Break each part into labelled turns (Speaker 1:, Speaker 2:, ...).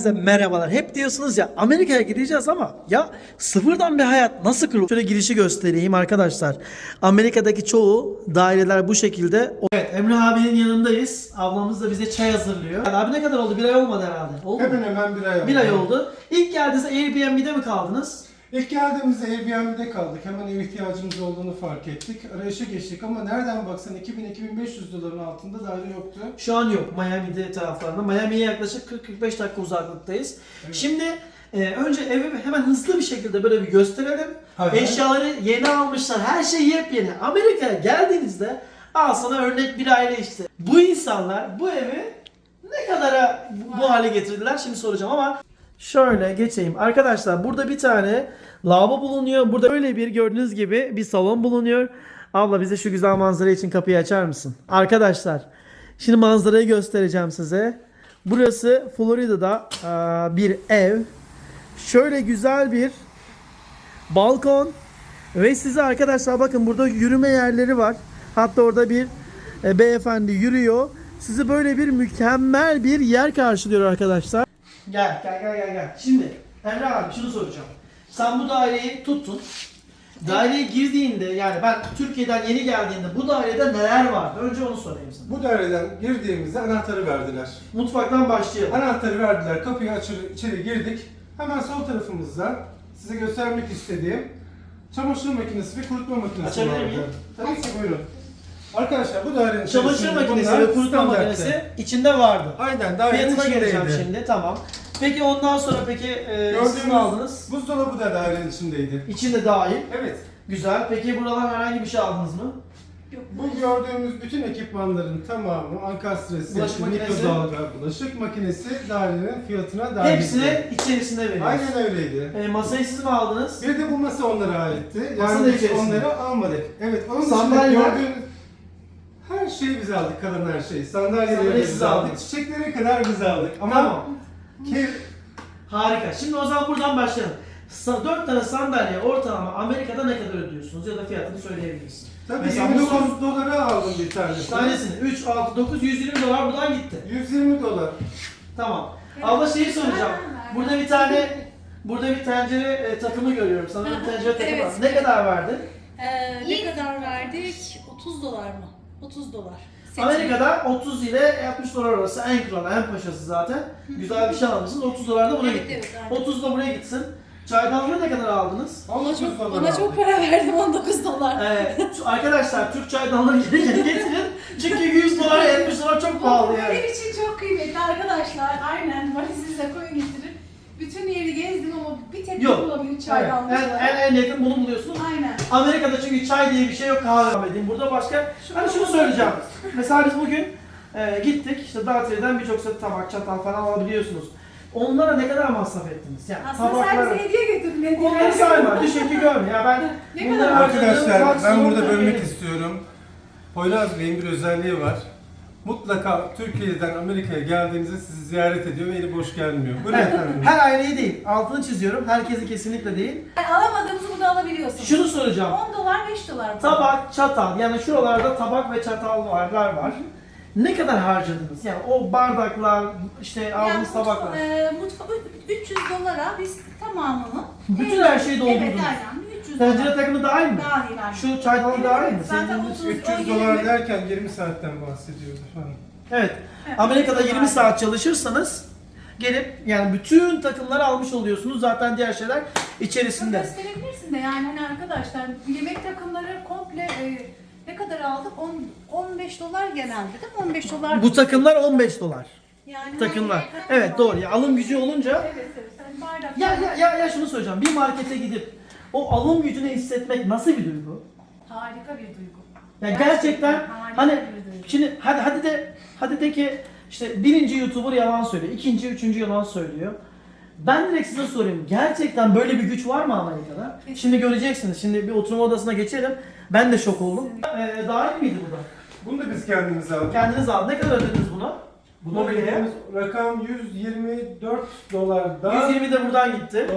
Speaker 1: Herkese merhabalar. Hep diyorsunuz ya Amerika'ya gideceğiz ama ya sıfırdan bir hayat nasıl kurulur? Şöyle girişi göstereyim arkadaşlar. Amerika'daki çoğu daireler bu şekilde. Evet, Emre abinin yanındayız. Ablamız da bize çay hazırlıyor. Abi ne kadar oldu? Bir ay olmadı herhalde. Oldu mu?
Speaker 2: Hemen hemen bir ay oldu.
Speaker 1: Bir ay oldu. İlk geldiğinizde Airbnb'de mi kaldınız?
Speaker 2: İlk geldiğimizde Airbnb'de kaldık. Hemen ev ihtiyacımız olduğunu fark ettik. Arayışa geçtik ama nereden baksan 2000-2500 doların altında daire yoktu.
Speaker 1: Şu an yok Miami'de taraflarında. Miami'ye yaklaşık 40-45 dakika uzaklıktayız.
Speaker 2: Evet.
Speaker 1: Şimdi önce evi hemen hızlı bir şekilde böyle bir gösterelim.
Speaker 2: Hayır.
Speaker 1: Eşyaları yeni almışlar. Her şey yepyeni. Amerika'ya geldiğinizde al sana örnek bir aile işte. Bu insanlar bu evi ne kadara bu hale getirdiler şimdi soracağım ama şöyle geçeyim. Arkadaşlar burada bir tane lavabo bulunuyor. Burada öyle bir gördüğünüz gibi bir salon bulunuyor. Abla bize şu güzel manzara için kapıyı açar mısın? Arkadaşlar şimdi manzarayı göstereceğim size. Burası Florida'da bir ev. Şöyle güzel bir balkon ve size arkadaşlar bakın burada yürüme yerleri var. Hatta orada bir beyefendi yürüyor. Sizi böyle bir mükemmel bir yer karşılıyor arkadaşlar. Gel. Şimdi Emre abi şunu soracağım. Sen bu daireyi tuttun. Daireye girdiğinde yani ben Türkiye'den yeni geldiğinde bu dairede neler vardı? Önce onu sorayım sana.
Speaker 2: Bu daireden girdiğimizde anahtarı verdiler.
Speaker 1: Mutfaktan başlayalım.
Speaker 2: Anahtarı verdiler, kapıyı içeri girdik. Hemen sol tarafımızda size göstermek istediğim çamaşır makinesi ve kurutma makinesi
Speaker 1: Açabilir
Speaker 2: vardı.
Speaker 1: miyim?
Speaker 2: Tabii ki buyurun. Arkadaşlar bu dairenin
Speaker 1: Çamaşır
Speaker 2: içerisinde
Speaker 1: makinesi
Speaker 2: bunlar
Speaker 1: ve kurutma
Speaker 2: standarttı.
Speaker 1: makinesi içinde vardı.
Speaker 2: Aynen dairenin
Speaker 1: Fiyatına geleceğim
Speaker 2: içindeydi.
Speaker 1: şimdi tamam. Peki ondan sonra peki siz mi aldınız?
Speaker 2: buzdolabı da dairenin içindeydi.
Speaker 1: İçinde dahil.
Speaker 2: Evet.
Speaker 1: Güzel. Peki buradan herhangi bir şey aldınız mı?
Speaker 2: Bu gördüğümüz bütün ekipmanların tamamı ankastresi,
Speaker 1: Bulaşık makinesi.
Speaker 2: mikrodalga, bulaşık makinesi dairenin fiyatına dahil.
Speaker 1: Hepsini içerisinde veriyoruz.
Speaker 2: Aynen öyleydi.
Speaker 1: Masayı siz mi aldınız?
Speaker 2: Bir de bu masa onlara aitti.
Speaker 1: Masa da
Speaker 2: Yani biz
Speaker 1: içerisinde.
Speaker 2: onları almadık. Evet, onun dışında
Speaker 1: Sandalye.
Speaker 2: gördüğünüz her şeyi biz aldık, kalan her şeyi. Sandalyeleri
Speaker 1: Sandalye
Speaker 2: biz
Speaker 1: siz
Speaker 2: aldık,
Speaker 1: aldınız.
Speaker 2: çiçeklere kadar biz aldık. Ama
Speaker 1: Tamam.
Speaker 2: ki
Speaker 1: Harika. Şimdi o zaman buradan başlayalım. 4 tane sandalye ortalama Amerika'da ne kadar ödüyorsunuz ya da fiyatını söyleyebilirsin.
Speaker 2: tabii
Speaker 1: Mesela bu
Speaker 2: 29 dolara aldım bir tanesini.
Speaker 1: tanesini 3, 6, 9, 120 dolar buradan gitti.
Speaker 2: 120 dolar.
Speaker 1: Tamam. Abla şeyi soracağım. Burada bir tencere takımı görüyorum. Sanırım tencere takımı var.
Speaker 3: Evet.
Speaker 1: Ne kadar verdin?
Speaker 3: Ne kadar verdik? 30 dolar mı? 30 dolar. Seti.
Speaker 1: Amerika'da 30 ile 60 dolar arası en kralı, en paşası zaten. Güzel bir şey almışsınız. 30 dolar da buna
Speaker 3: Evet,
Speaker 1: gitti.
Speaker 3: evet, aynen.
Speaker 1: 30 da buraya gitsin. Çaydanlığı ne kadar aldınız?
Speaker 3: Ona çok para verdim, 19 dolar.
Speaker 1: Arkadaşlar Türk çaydanlığı geri getirin. Çünkü 100 dolar 70 dolar çok pahalı
Speaker 4: Bu
Speaker 1: yani.
Speaker 4: benim için çok kıymetli arkadaşlar. Aynen valizinizle koyun getirin. Bütün yeri gezdim ama bir tek
Speaker 1: Yok.
Speaker 4: bulabilir çaydanlık.
Speaker 1: En yakın bunu buluyorsunuz.
Speaker 4: Aynen.
Speaker 1: Amerika'da çünkü çay diye bir şey yok, kahve edeyim. Burada başka, hani şunu söyleyeceğim. Mesela biz bugün gittik, işte Dağıtır'dan birçok set tabak, çatal falan alabiliyorsunuz. Onlara ne kadar masraf ettiniz? Yani
Speaker 4: Aslında sen bize hediye getirdin.
Speaker 1: onları sayma, düşün ki görme. Ya ben
Speaker 4: Ne
Speaker 1: bunları
Speaker 4: kadar?
Speaker 1: harcadığım
Speaker 2: Arkadaşlar ben
Speaker 1: maksimum
Speaker 2: burada
Speaker 1: Türkiye'de-
Speaker 2: bölmek istiyorum. Poyraz Bey'in bir özelliği var. Mutlaka Türkiye'den Amerika'ya geldiğinizde sizi ziyaret ediyor ve eli boş gelmiyor. Buyurun
Speaker 1: Evet,
Speaker 2: efendim.
Speaker 1: her aileyi değil, altını çiziyorum. Herkesi kesinlikle değil.
Speaker 4: Yani alamadığımızı burada alabiliyorsunuz.
Speaker 1: Şunu soracağım.
Speaker 4: 10 dolar 5 dolar. mı?
Speaker 1: Tabak, çatal, yani şuralarda tabak ve çatallar var. Ne kadar harcadınız? Yani o bardaklar, işte aldığınız tabaklar.
Speaker 4: Mutfak 300 dolara biz tamamını.
Speaker 1: Bütün her şeyi doldurdunuz.
Speaker 4: Evet aynen 300
Speaker 1: Tencere
Speaker 4: dolar.
Speaker 1: takımı dahil mi?
Speaker 4: Dahil aynen.
Speaker 1: Şu çaydanlık dahil mi?
Speaker 4: Zaten
Speaker 1: Sevdiğiniz-
Speaker 4: 30,
Speaker 2: 300
Speaker 4: o
Speaker 2: dolar
Speaker 4: 20.
Speaker 2: derken 20 saatten bahsediyoruz efendim.
Speaker 1: Evet.
Speaker 4: Evet,
Speaker 1: Amerika'da
Speaker 4: 300
Speaker 1: 20
Speaker 4: dolar.
Speaker 1: saat çalışırsanız gelip yani bütün takımları almış oluyorsunuz. Zaten diğer şeyler
Speaker 4: Bunu
Speaker 1: içerisinde.
Speaker 4: gösterebilirsin de yani hani arkadaşlar yemek takımları komple ne kadar aldık? 15 dolar genelde değil mi? 15 dolar.
Speaker 1: Bu takımlar 15 dolar.
Speaker 4: yani
Speaker 1: Takımlar.
Speaker 4: hani-
Speaker 1: Evet doğru. Ya alım gücü olunca
Speaker 4: Evet evet. Hani bardak.
Speaker 1: ya şunu söyleyeceğim. Bir markete gidip o alım gücünü hissetmek nasıl bir duygu?
Speaker 4: Harika bir duygu.
Speaker 1: Ya gerçekten
Speaker 4: harika
Speaker 1: hani
Speaker 4: bir duygu.
Speaker 1: şimdi hadi de ki işte birinci YouTuber yalan söylüyor. İkinci, üçüncü yalan söylüyor. Ben direkt size sorayım. Gerçekten böyle bir güç var mı Amerika'da?
Speaker 4: Kesinlikle.
Speaker 1: Şimdi göreceksiniz. Şimdi bir oturma odasına geçelim. Ben de şok oldum. Dahil miydi bu da?
Speaker 2: Bunu da biz kendimiz aldık.
Speaker 1: Kendiniz aldınız. Ne kadar ödediniz buna?
Speaker 2: Buna
Speaker 1: Mobilyaya.
Speaker 2: verdiğimiz rakam 124 dolardan
Speaker 1: 120 de buradan gitti.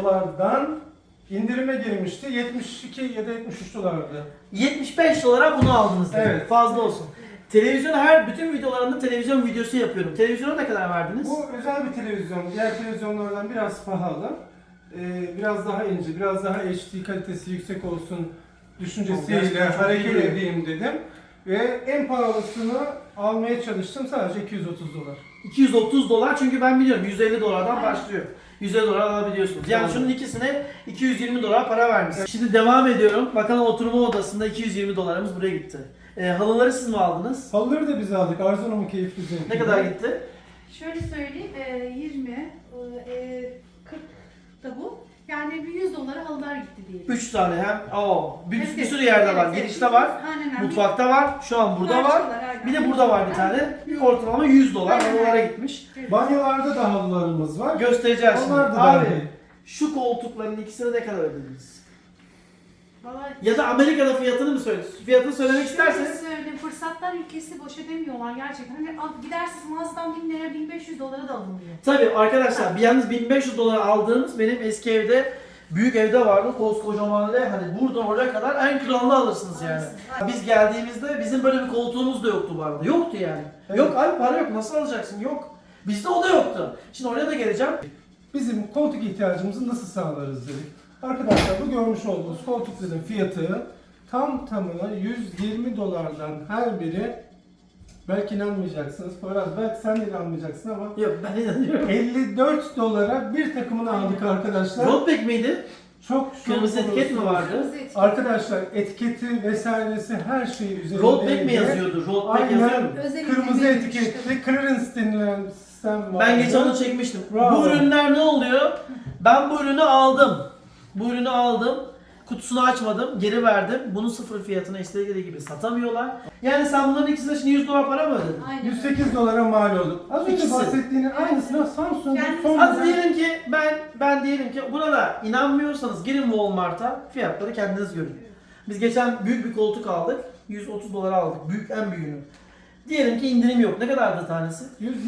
Speaker 2: indirime girmişti. 72 ya da 73 dolardı.
Speaker 1: 75 dolara bunu aldınız. demek.
Speaker 2: Evet.
Speaker 1: Fazla olsun. Televizyon bütün videolarında televizyon videosu yapıyorum. Televizyona ne kadar verdiniz?
Speaker 2: Bu özel bir televizyon. Diğer televizyonlardan biraz pahalı. Biraz daha ince, biraz daha HD kalitesi yüksek olsun düşüncesiyle
Speaker 1: Gerçekten çok
Speaker 2: hareket
Speaker 1: iyi.
Speaker 2: edeyim dedim. Ve en pahalısını almaya çalıştım. Sadece 230 dolar.
Speaker 1: 230 dolar çünkü ben biliyorum 150 dolardan
Speaker 4: Aynen.
Speaker 1: başlıyor. 150 dolar alabiliyorsunuz. Yani
Speaker 2: Doğru.
Speaker 1: şunun ikisine 220 dolar para vermişsiniz. Şimdi devam ediyorum. Bakalım oturma odasında 220 dolarımız buraya gitti. Halıları siz mi aldınız?
Speaker 2: Halıları da biz aldık. Arzu'nun keyifli zevki.
Speaker 1: Ne kadar gitti?
Speaker 4: Şöyle söyleyeyim, 20, 40 da bu. Yani bir 100 dolara halılar gitti diyelim.
Speaker 1: 3 tane hem. Bir
Speaker 4: Evet,
Speaker 1: sürü yerde var.
Speaker 4: evet,
Speaker 1: Girişte
Speaker 4: evet.
Speaker 1: var.
Speaker 4: Aynen.
Speaker 1: Mutfakta var. Şu an burada var.
Speaker 4: Karşılar, aynen.
Speaker 1: Bir de burada var bir tane. Ortalama 100 dolar
Speaker 4: Aynen.
Speaker 1: halılara gitmiş.
Speaker 4: Evet.
Speaker 2: Banyolarda da halılarımız var.
Speaker 1: Göstereceğiz şimdi.
Speaker 2: Onlar da
Speaker 1: Abi
Speaker 2: dahil.
Speaker 1: şu koltukların ikisine ne kadar ödediniz?
Speaker 4: Vallahi
Speaker 1: Ya da Amerika'da fiyatını mı söylüyorsunuz? Fiyatını söylemek
Speaker 4: şöyle
Speaker 1: isterseniz.
Speaker 4: söyleyeyim, fırsatlar ülkesi boş edemiyorlar gerçekten. Hani gidersiniz mağazadan 1000 lira 1500 dolara da alınmıyor.
Speaker 1: Tabii arkadaşlar bir yalnız 1500 dolar aldığımız benim eski evde büyük evde vardı koskocaman ve hani buradan oraya kadar en kralını alırsınız yani.
Speaker 4: Alırsınız.
Speaker 1: Biz geldiğimizde bizim böyle bir koltuğumuz da yoktu bu arada. Yoktu yani.
Speaker 2: Evet.
Speaker 1: Yok abi para yok nasıl alacaksın? Yok. Bizde o da yoktu. Şimdi oraya da geleceğim.
Speaker 2: Bizim koltuk ihtiyacımızı nasıl sağlarız dedik. Arkadaşlar bu görmüş olduğunuz koltukların fiyatı tamına 120 dolardan her biri, belki inanmayacaksınız. Poyraz belki sen de inanmayacaksın ama
Speaker 1: Yok ben inanıyorum.
Speaker 2: 54 dolara bir takımını aldık arkadaşlar.
Speaker 1: Roadback miydi?
Speaker 2: Çok
Speaker 1: Kırmızı etiket mi
Speaker 2: olursunuz.
Speaker 1: vardı?
Speaker 4: Kırmızı etiket.
Speaker 2: Arkadaşlar etiketi vesairesi her şeyi üzerinde.
Speaker 1: Roadback mi yazıyordu? Roadback yazıyor
Speaker 2: Aynen.
Speaker 1: mu?
Speaker 4: Özel
Speaker 2: Kırmızı
Speaker 4: indirim
Speaker 2: etiketli clearance denilen sistem var.
Speaker 1: Ben geçen onu çekmiştim.
Speaker 2: Bravo.
Speaker 1: Bu ürünler ne oluyor? Ben bu ürünü aldım. Bu ürünü aldım. Kutusunu açmadım, geri verdim. Bunun sıfır fiyatına istedikleri gibi satamıyorlar. Yani sen bunların ikisine şimdi 100 dolar para mı ödedin?
Speaker 4: Aynen.
Speaker 2: 108 dolara mal oldu. Az önce
Speaker 1: İkisi.
Speaker 2: bahsettiğinin aynısını Samsung'un
Speaker 4: Yani
Speaker 2: son
Speaker 1: Hadi
Speaker 2: model-
Speaker 1: diyelim ki ben diyelim ki buna da inanmıyorsanız girin Walmart'a fiyatları kendiniz görün. Biz geçen büyük bir koltuk aldık. 130 dolara aldık. Büyük en büyüğünü. Diyelim ki indirim yok. Ne kadardı tanesi?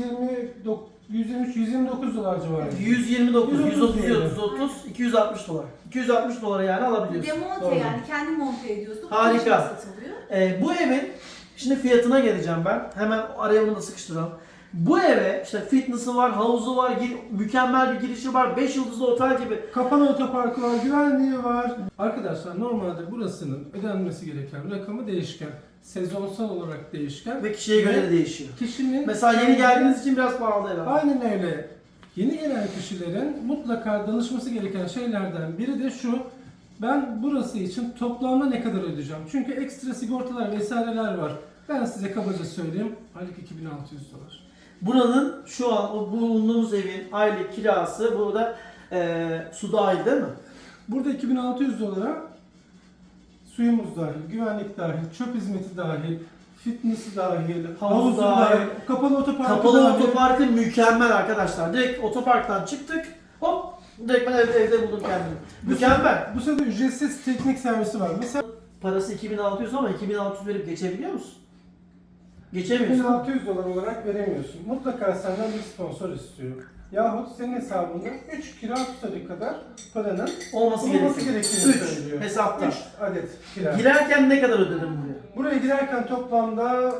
Speaker 2: 129 dolar civarı.
Speaker 1: 129, 130,
Speaker 2: 130,
Speaker 1: 130, 260 dolar. 260 dolara yani alabiliyorsun.
Speaker 4: Demonte
Speaker 2: Doğru.
Speaker 4: yani kendi monte ediyorsun.
Speaker 1: Harika.
Speaker 4: Dışarı satılıyor.
Speaker 1: Bu evin şimdi fiyatına geleceğim ben. Hemen araya bunu da sıkıştıralım. Bu eve işte fitness'ı var, havuzu var, mükemmel bir girişi var, 5 yıldızlı otel gibi.
Speaker 2: Kapalı otoparkı var, güvenliği var. Arkadaşlar normalde burasının ödenmesi gereken rakamı değişken. Sezonsal olarak değişken.
Speaker 1: Ve kişiye göre de değişiyor.
Speaker 2: Kişinin...
Speaker 1: Mesela yeni geldiğiniz için biraz pahalı herhalde.
Speaker 2: Aynen öyle. Yeni gelen kişilerin mutlaka danışması gereken şeylerden biri de şu. Ben burası için toplamda ne kadar ödeyeceğim? Çünkü ekstra sigortalar vesaireler var. Ben size kabaca söyleyeyim. Aylık 2600 dolar.
Speaker 1: Buranın şu an o bulunduğumuz evin aylık kirası burada su dahil değil mi?
Speaker 2: Burada 2600 dolara suyumuz dahil, güvenlik dahil, çöp hizmeti dahil, fitness'i dahil, havuzu
Speaker 1: dahil,
Speaker 2: dahil, kapalı otoparkı
Speaker 1: Kapalı
Speaker 2: dahil.
Speaker 1: otoparkı mükemmel arkadaşlar. Direkt otoparktan çıktık. Hop direkt ben evde buldum kendimi. Mükemmel.
Speaker 2: Bu sırada ücretsiz teknik servisi var. Mesela
Speaker 1: Parası 2600 ama 2600 verip geçebiliyor musun? Geçemiyorsun.
Speaker 2: 1600 dolar olarak veremiyorsun. Mutlaka senden bir sponsor istiyor. Yahut senin hesabında 3 kira tutarı kadar paranın
Speaker 1: Olması
Speaker 2: bulunması
Speaker 1: gerekiyor.
Speaker 2: gerektiğini
Speaker 1: 3
Speaker 2: söylüyor.
Speaker 1: hesapta.
Speaker 2: 3 adet kira.
Speaker 1: Girerken ne kadar ödedim buraya?
Speaker 2: Buraya girerken toplamda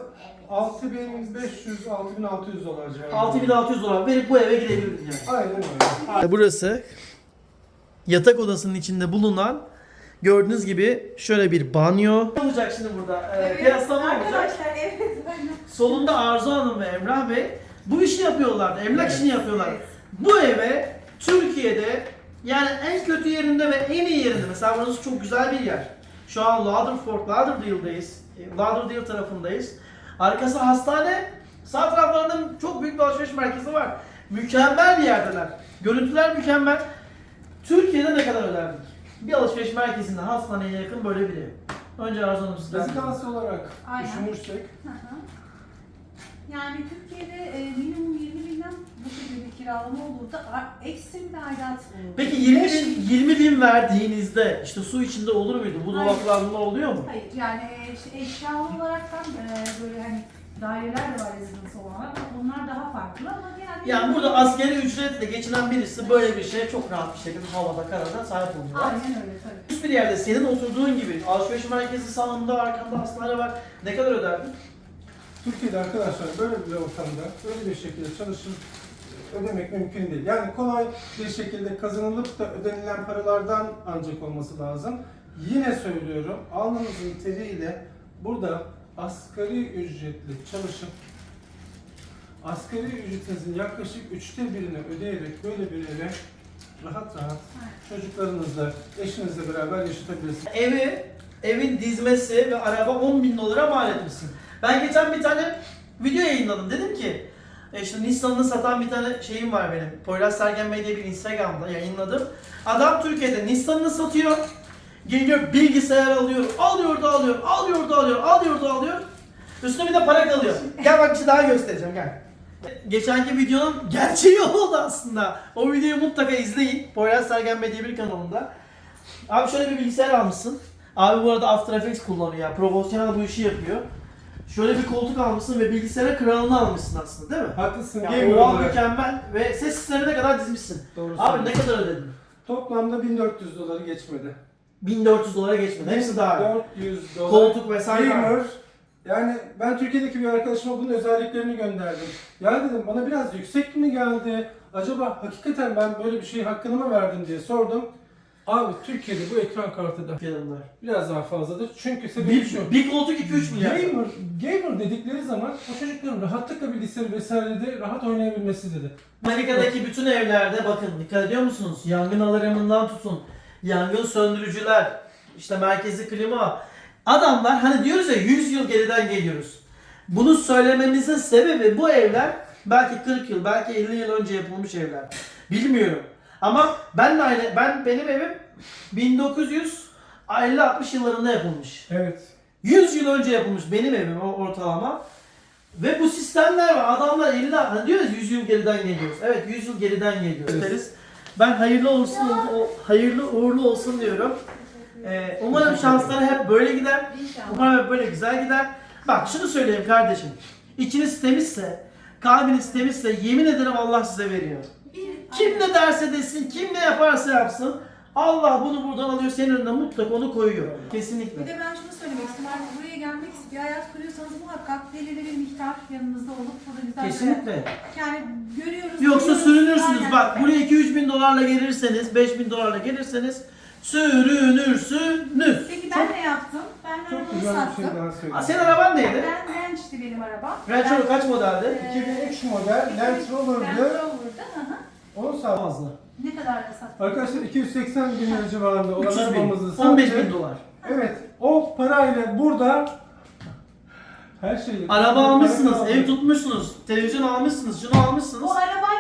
Speaker 2: 6500-6600 dolar civarında.
Speaker 1: 6600 dolar verip bu eve girebilirim yani.
Speaker 2: Aynen öyle.
Speaker 1: Burası yatak odasının içinde bulunan gördüğünüz gibi şöyle bir banyo. Ne olacak şimdi burada? Kıyaslama olacak.
Speaker 4: Arkadaşlar evet. aynen.
Speaker 1: Solunda Arzu Hanım ve Emrah Bey bu işi yapıyorlardı. Emlak
Speaker 2: Evet,
Speaker 1: işini yapıyorlar.
Speaker 4: evet.
Speaker 1: Bu eve Türkiye'de yani en kötü yerinde ve en iyi yerinde. Mesela burası çok güzel bir yer. Şu an Lauderdale'dayız. Lauderdale tarafındayız. Arkası hastane. Sağ taraflarında çok büyük bir alışveriş merkezi var. Mükemmel bir yerdeler. Görüntüler mükemmel. Türkiye'de ne kadar öderdik? Bir alışveriş merkezinde hastaneye yakın böyle biri. Önce Arzu Hanım sizden.
Speaker 2: Rezidans olarak
Speaker 4: Aynen.
Speaker 2: düşünürsek
Speaker 4: Hı hı. Yani Türkiye'de minimum 20 binden bu şekilde bir kiralama olurdu. Ekstrem bir aidat olurdu.
Speaker 1: Peki 20 bin verdiğinizde işte su içinde olur muydu? Bu
Speaker 4: Hayır.
Speaker 1: dolaplar bunlar oluyor mu?
Speaker 4: Hayır yani işte eşyalı olaraktan böyle hani daireler de var rezidans olarak. Onlar daha farklı ama genelde...
Speaker 1: Yani burada asgari ücretle geçinen birisi böyle bir şeye çok rahat bir şekilde havada karada sahip oluyor.
Speaker 4: Aynen öyle tabii.
Speaker 1: Hiçbir yerde senin oturduğun gibi alışveriş merkezi sağında arkanda hastane var. Ne kadar öderdin?
Speaker 2: Türkiye'de arkadaşlar böyle bir ortamda böyle bir şekilde çalışıp ödemek mümkün değil. Yani kolay bir şekilde kazanılıp da ödenilen paralardan ancak olması lazım. Yine söylüyorum, alnınızın teriyle burada asgari ücretli çalışıp asgari ücretinizin yaklaşık 1/3'ünü ödeyerek böyle bir eve rahat rahat çocuklarınızla, eşinizle beraber yaşatabilirsiniz.
Speaker 1: Evin dizmesi ve araba 10.000 dolara mal etmişsin. Ben geçen bir tane video yayınladım. Dedim ki işte Nissan'ını satan bir tane şeyim var benim. Poyraz Sergen Bey diye bir Instagram'da yayınladım. Adam Türkiye'de Nissan'ını satıyor. Geliyor bilgisayar alıyor. Alıyor da alıyor. Alıyor da alıyor. Alıyor da alıyor. Üstüne bir de para kalıyor. Gel bak bir şey daha göstereceğim gel. Geçenki videonun gerçeği oldu aslında. O videoyu mutlaka izleyin. Poyraz Sergen Bey diye bir kanalında. Abi şöyle bir bilgisayar almışsın. Abi bu arada After Effects kullanıyor ya. Profesyonel bu işi yapıyor. Şöyle bir koltuk almışsın ve bilgisayara kralını almışsın aslında değil mi?
Speaker 2: Haklısın.
Speaker 1: Yani
Speaker 2: Gamer
Speaker 1: oval
Speaker 2: olarak.
Speaker 1: mükemmel ve ses sistemine kadar dizmişsin.
Speaker 2: Doğru
Speaker 1: Abi ne
Speaker 2: söylüyorsun.
Speaker 1: kadar ödedin?
Speaker 2: Toplamda 1400 doları geçmedi.
Speaker 1: 1400 dolara geçmedi. Hepsi dahil.
Speaker 2: 400 dolar.
Speaker 1: Koltuk vesaire.
Speaker 2: Gamer. Yani ben Türkiye'deki bir arkadaşıma bunun özelliklerini gönderdim. Ya dedim bana biraz yüksek mi geldi? Acaba hakikaten ben böyle bir şeyi hakkını mı verdim diye sordum. Abi Türkiye'de bu ekran kartı da
Speaker 1: Fiyatlar.
Speaker 2: biraz daha fazladır. Çünkü sebebi şu.
Speaker 1: Bir koltuk 2-3 milyar.
Speaker 2: Gamer dedikleri zaman o çocukların rahatlıkla bilgisayarı vesairede rahat oynayabilmesi dedi.
Speaker 1: Amerika'daki bütün evlerde bakın dikkat ediyor musunuz? Yangın alarmından tutun. Yangın söndürücüler. İşte merkezi klima. Adamlar hani diyoruz ya 100 yıl geriden geliyoruz. Bunu söylememizin sebebi bu evler belki 40 yıl, belki 50 yıl önce yapılmış evler. Bilmiyorum. Ama benim evim 1950-60 yıllarında yapılmış.
Speaker 2: Evet.
Speaker 1: 100 yıl önce yapılmış benim evim ortalama. Ve bu sistemler var. Adamlar 50 hani diyoruz 100 yıl geriden geliyoruz. Evet 100 yıl geriden geliyoruz.
Speaker 2: Evet.
Speaker 1: Ben hayırlı uğurlu olsun diyorum. Umarım şansları hep böyle gider.
Speaker 4: İnşallah.
Speaker 1: Umarım hep böyle güzel gider. Bak şunu söyleyeyim kardeşim. İçiniz temizse, kalbiniz temizse yemin ederim Allah size veriyor. Kim ne derse desin, kim ne yaparsa yapsın. Allah bunu buradan alıyor, senin önüne mutlaka onu koyuyor.
Speaker 4: Bir
Speaker 1: Kesinlikle.
Speaker 4: de ben şunu söylemek istiyorum. Artık buraya gelmek bir hayat kuruyorsanız muhakkak belirli bir miktar yanınızda olup burada güzel
Speaker 1: Kesinlikle.
Speaker 4: yani görüyoruz.
Speaker 1: Yoksa
Speaker 4: biliyoruz.
Speaker 1: sürünürsünüz.
Speaker 4: Aynen.
Speaker 1: Bak buraya 2-3 bin dolarla gelirseniz, 5 bin dolarla gelirseniz sürünürsünüz.
Speaker 4: Peki ben ne yaptım? Ben
Speaker 2: Çok
Speaker 4: arabamı
Speaker 2: güzel bir
Speaker 4: sattım.
Speaker 2: şey daha söyleyeyim.
Speaker 1: Senin araban neydi?
Speaker 4: Ben Ranch'ti benim arabam.
Speaker 1: Range Rover kaç modeldi?
Speaker 2: 2003 model Land
Speaker 4: Land
Speaker 2: Rover'dı.
Speaker 4: Rover'dı. Hı hı.
Speaker 2: Onu sağ
Speaker 1: Fazla.
Speaker 4: Ne kadar da sattım?
Speaker 2: Arkadaşlar 280 bin lira civarında olan
Speaker 1: 300 bin.
Speaker 2: arabamızı sattık.
Speaker 1: 15 bin dolar.
Speaker 2: Evet, o parayla burada her şeyi...
Speaker 1: Araba
Speaker 2: Para
Speaker 1: almışsınız,
Speaker 2: kaldı.
Speaker 1: ev tutmuşsunuz, televizyon almışsınız, şunu almışsınız.
Speaker 4: O araba